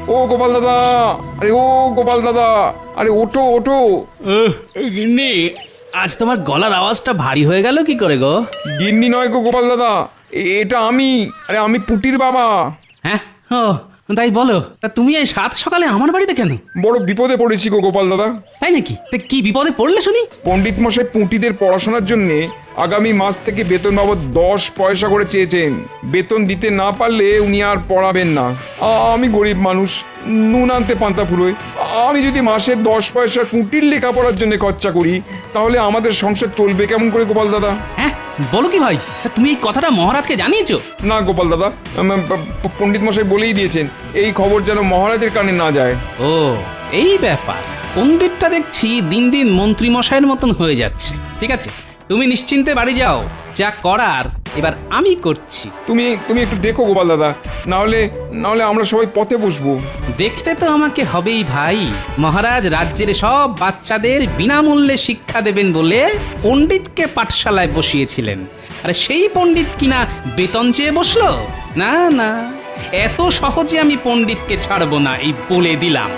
ও গোপাল দাদা, আরে ও গোপাল দাদা, আরে ওঠো ওঠো। গিন্নি, আজ তোমার গলার আওয়াজটা ভারী হয়ে গেল কি করে গো? গিন্নি নয় গো গোপাল দাদা, এটা আমি, আরে আমি পুটির বাবা। হ্যাঁ, ও তাই বলো। তা তুমি এই সাত সকালে আমার বাড়িতে কেন? বড় বিপদে পড়েছি গো গোপাল দাদা। তাই নাকি? তা কি বিপদে পড়লে শুনি? পণ্ডিত মশাই পুঁটিদের পড়াশোনার জন্য আগামী মাস থেকে বেতন বাবদ 10 পয়সা করে চেয়েছেন। বেতন দিতে না পারলে উনি আর পড়াবেন না। আমি গরিব মানুষ, নুন আনতে পান্তা ফুরোয়। আমি যদি মাসে 10 পয়সা পুঁটির লেখাপড়ার জন্য খরচা করি, তাহলে আমাদের সংসার চলবে কেমন করে গোপাল দাদা? হ্যাঁ, বলো কি ভাই? তা তুমি এই কথাটা মহারাজকে জানিয়েছো? না গোপাল দাদা, পণ্ডিত মশাই বলেই দিয়েছেন এই খবর যেন মহারাজের কানে না যায়। ও, এই ব্যাপার। পণ্ডিতটা দেখছি দিন দিন মন্ত্রী মশাইয়ের মতন হয়ে যাচ্ছে। ঠিক আছে, তুমি নিশ্চিন্তে বাড়ি যাও, যা করার এবার আমি করছি। তুমি একটু দেখো গোপাল দাদা, না হলে আমরা সবাই পথে বসবো। দেখতে তো আমাকে হবেই ভাই। মহারাজ রাজ্যের সব বাচ্চাদের বিনামূল্যে শিক্ষা দেবেন বলে পণ্ডিতকে পাঠশালায় বসিয়েছিলেন। আরে সেই পণ্ডিত কিনা বেতন চেয়ে বসলো? না না, এত সহজে আমি পণ্ডিতকে ছাড়বো না, এই বলে দিলাম।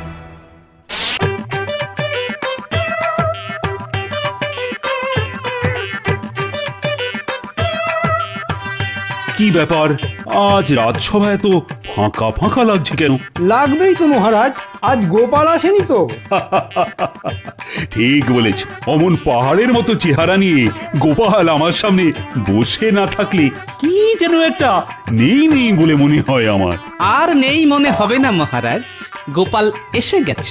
কি ব্যাপার, আজ রাজসভা এত ফাঁকা ফাঁকা লাগছে কেন? লাগবেই তো মহারাজ, আজ গোপাল আসেনি তো। ঠিক বলেছ, অমন পাহাড়ের মতো চেহারা নিয়ে গোপাল আমার সামনে বসে না থাকলে কি যেন একটা নেই নেই বলে মনে হয় আমার। আর নেই মনে হবে না মহারাজ, গোপাল এসে গেছে।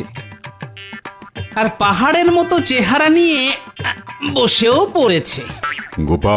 আর পাহাড়ের মতো চেহারা নিয়ে বসেও পড়েছে। গোপাল